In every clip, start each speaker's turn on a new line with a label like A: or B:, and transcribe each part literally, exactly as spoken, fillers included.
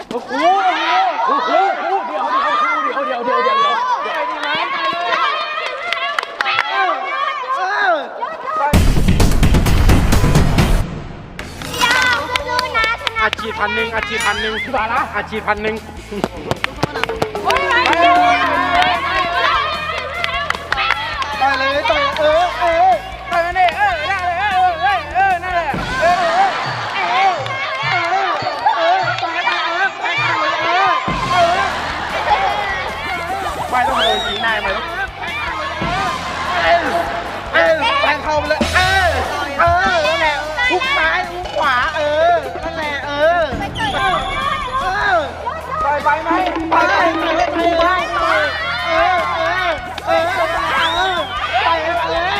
A: โอ้โหโอ้โหเดี๋ยวเดี๋ยวเดี๋ยวเดี๋ยวเดี๋ยวเดี๋ยวเดี๋ยวดีไหมอาชีพพันหนึ่งอาชีพพันหนึ่งพี่บาละอาชีพพันหนึ่ง
B: ต่อยเลยต่อยเออเออต่อยนี่เออได้เลยเออเออเออนั่นแหละเออเออเออเออต่อยไปเออไปเออเออไปต้องเลยยิงนายมาลูกเออเออแทงเข้าไปเลยเออเออนั่นแหละทุกซ้ายทุกขวาเออนั่นแหละเออเออต่อยไปไหมไปไปไปไปเออเออเออไปเลย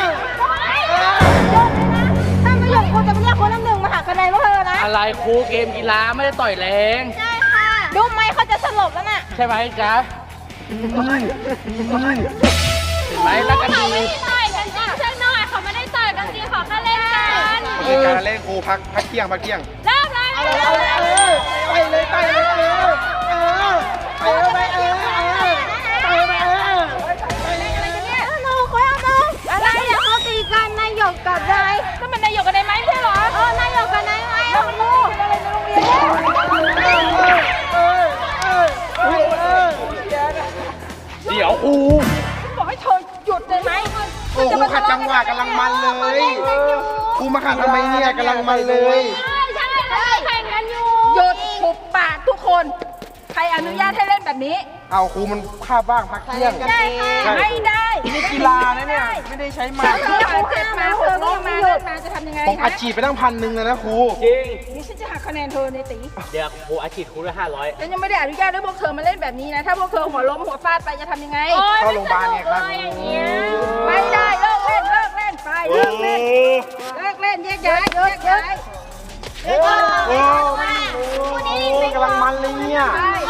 B: ถ้าไม่หยุดครูจะไม่เรียกคนน้ำหนึ่งมาหาคะแนนพวกเธอนะ
A: อะไรครูเกมกีฬาไม่ได้ต่อยแรง
C: ใช่ค่ะดูไหมเขาจะสลบแล้วน่ะ
A: ใช่ไหมจ๊ะเห็นไหมรักกันดี
C: ไม่ได้ต่อยกันจริงเชิงหน่อยเขาไม่ได้ต่อยกันจริงเขาแค่เล่นกัน
B: มีการเล่นครูพักพักเที่ยงพักเที่ยง
C: เริ่มเลย
B: ไปเลยไปเลยเออเออไปเลยเออไปเลยเออ
C: น้องเขาเอาน้องอะไรเดี๋ยวเขาตีกันนายหยกกับนายนั่นมันนายหยกกับนายไหมใช่หรอเออนายหยกกับนายไหมน้องงูอะไรในโรงเรียน
B: เออเออเออเออ
A: เดี๋ยวครู
C: บอกให้เธอหยุดเลยไหม
B: โอ้ครูขัดจังหวะกำลังมันเลยครูมาขัดทำไมเนี่ยกำลังมันเลย
C: ใช่ใช่เลยแข่งกันอยู่หยุดปุบปากทุกคนใครอนุญาตให้เล่นแบบนี้
B: เอาครูมันคาบบ้างพักเที่ยง
C: ใช่ค่ะไม่ได้
B: นี่กีฬานะเนี่ยไม่ได้ใช้ไม้
C: เธอเจ็บมาเธอก็มาเล่นมาจะทำยังไง
B: ผมอัดฉีดไปตั้งพันหนึ่งเลยนะครู
A: จริง
C: นี่ฉันจะหักคะแนนเธอในตี
A: เดี๋ยวครูอาชีพครูได้ห้าร้อย
C: ฉันยังไม่ได้อนุญาตให้พวกเธอมาเล่นแบบนี้นะถ้าพวกเธอหัวล้มหัวฟาดไปจะทำยังไง
B: เข้าโรงพยาบาลเนี่ยครับ
C: ไม่ได้เลิกเล่นเลิกเล่นไปเลิกเล่นเลิกเล่นแยกย้ายแยกย้าย
B: โอ้โหกำลังมันเลยเนี่ย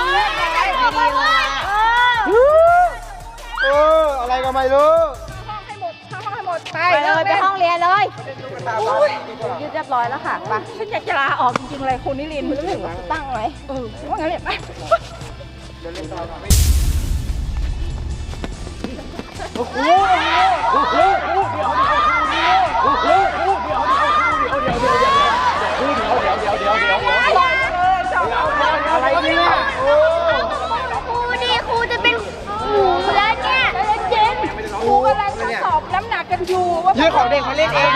B: เอออะไรก็ไม่รู้
C: ห้องให้หมดห้องให้หมดไปเลยไปห้องเรียนเลยยืดเรียบร้อยแล้วค่ะไปฉันอยากจะลาออกจริงๆเลยคุณนิรินทร์คุณเรื่องตั้งไว้เออว่างั้นเลยไป
A: โอ้โหโอ้โหเดี๋ยวเดี๋ยวโอ้โหเดี๋ยวเดี๋ยวเดี๋ยวเดี๋ยวเดี๋ยวเดี๋ยวเดี๋ยวเดี๋ยวเดี๋ยวเดี๋ยวเดี๋ยวเดี๋ยวอะไรเนี่ยโอ้
C: ครูดีครูจะเป็นหมูแล้วเนี่ยเย็นครูกำลังทดสอบน้ำหนักกันอยู่ว่า
B: ยืดของเด็กมาเล่นเอง